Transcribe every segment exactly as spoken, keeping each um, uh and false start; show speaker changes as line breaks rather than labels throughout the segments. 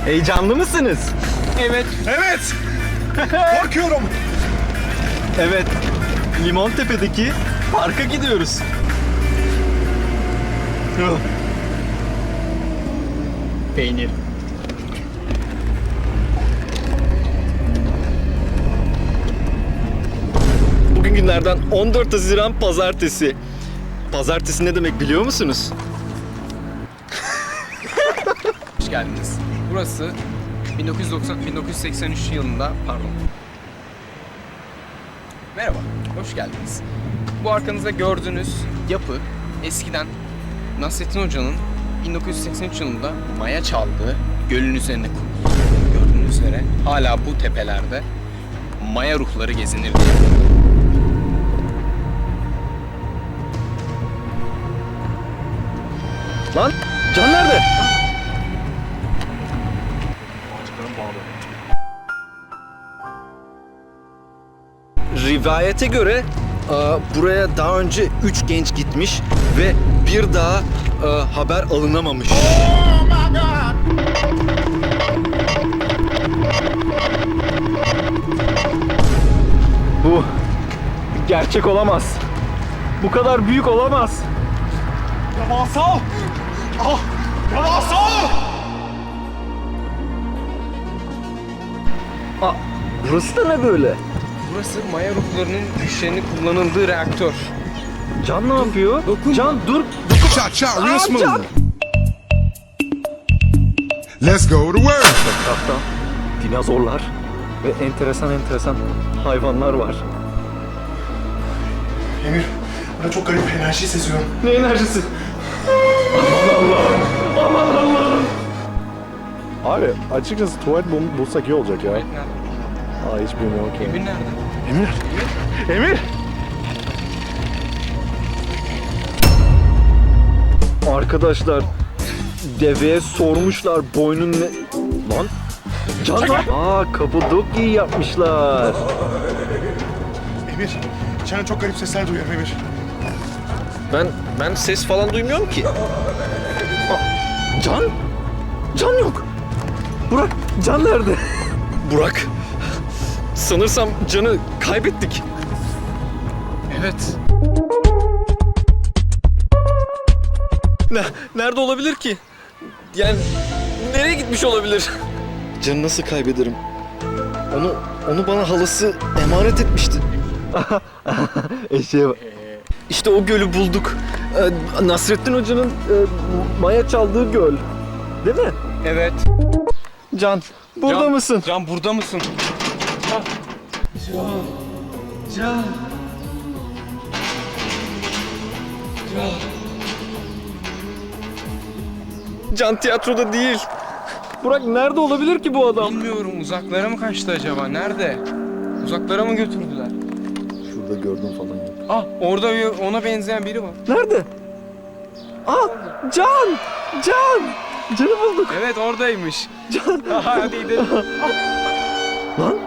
Heyecanlı mısınız?
Evet.
Evet. Korkuyorum.
Evet. Limontepe'deki parka gidiyoruz. Peynir. Bugün günlerden on dört Haziran Pazartesi. Pazartesi ne demek biliyor musunuz?
Hoş geldiniz. Burası bin dokuz yüz doksan bin dokuz yüz seksen üç yılında, pardon. Merhaba, hoş geldiniz. Bu arkanızda gördüğünüz yapı eskiden Nasrettin Hoca'nın bin dokuz yüz seksen üç yılında maya çaldığı gölün üzerine kuruldu. Gördüğünüz üzere hala bu tepelerde maya ruhları gezinir diye.
Lan Can nerede? Rivayete göre buraya daha önce üç genç gitmiş ve bir daha haber alınamamış. Bu gerçek olamaz. Bu kadar büyük olamaz.
Devasa. Ah, devasa.
Aa, burası da ne böyle?
Burası maya ruhlarının güçlerinin kullanıldığı reaktör.
Can ne yapıyor?
Dokunma.
Can dur.
Shot, shot, real
Aa,
smooth.
Can.
Let's go to work.
Etrafta dinozorlar ve enteresan enteresan hayvanlar var.
Emir, burada çok garip enerji seziyorum.
Ne enerjisi?
Abi açıkçası tuvalet bul- bulsak iyi olacak ya.
Nerede?
Aa hiç bilmiyorum ki.
Emir nerede?
Emir! Emir!
Arkadaşlar deveye sormuşlar boynun ne... Lan? Can lan? Aa Kapadokya yapmışlar.
Emir, içeriden çok garip sesler duyuyorum Emir.
Ben ben ses falan duymuyorum ki. Aa, Can? Can yok. Burak, Can nerede? Burak. Sanırsam Can'ı kaybettik.
Evet.
Ne, nerede olabilir ki? Yani nereye gitmiş olabilir? Can'ı nasıl kaybederim? Onu onu bana halası emanet etmişti. Eşeğe bak. İşte o gölü bulduk. Ee, Nasrettin Hoca'nın e, maya çaldığı göl. Değil mi?
Evet.
Can, burada
Can,
mısın?
Can burada mısın?
Can tiyatroda değil. Burak nerede olabilir ki bu adam?
Bilmiyorum, uzaklara mı kaçtı acaba? Nerede? Uzaklara mı götürdüler?
Şurada gördüm falan yok.
Ah, orada bir, ona benzeyen biri var.
Nerede? Aa, Can! Can! Can'ı bulduk.
Evet, oradaymış.
Can!
Hadi gidelim.
Lan?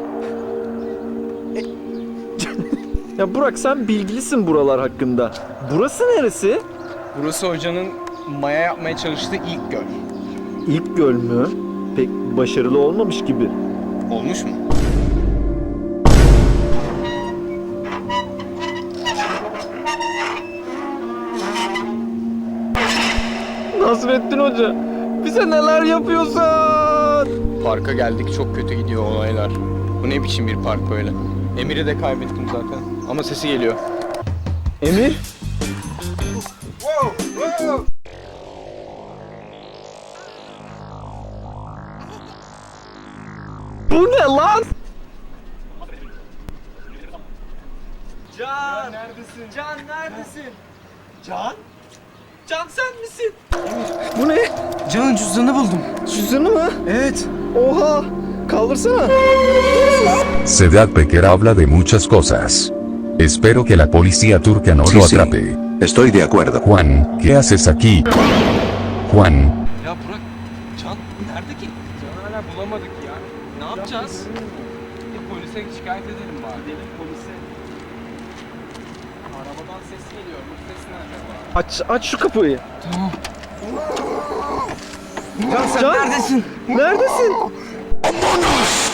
E, ya Burak sen bilgilisin buralar hakkında. Burası neresi?
Burası hocanın maya yapmaya çalıştığı ilk göl.
İlk göl mü? Pek başarılı olmamış gibi.
Olmuş mu?
Nasrettin Hoca, bize neler yapıyorsun?
Parka geldik, çok kötü gidiyor olaylar. Bu ne biçim bir park böyle? Emir'i de kaybettim zaten. Ama sesi geliyor.
Emir? Bu ne lan? Can! Neredesin? Can neredesin? Can? Can sen misin? Bu ne?
Can'ın cüzdanını buldum.
Cüzdanı mı?
Evet.
Oha! Kaldırsana.
Sedat Peker habla de muchas cosas. Espero que la policía turca no
Sí,
lo
sí.
atrape.
Estoy de acuerdo.
Juan, ¿qué haces aquí? Juan,
Ya Burak, Can nerede ki?
Can'ı hala bulamadık ya. Ne yapacağız? Ya polise şikayet edelim bari.
Gidelim polise.
Arabadan ses geliyor. Bu ses ne acaba?
Aç, aç şu kapıyı.
Can sen
Can?
neredesin?
Neredesin?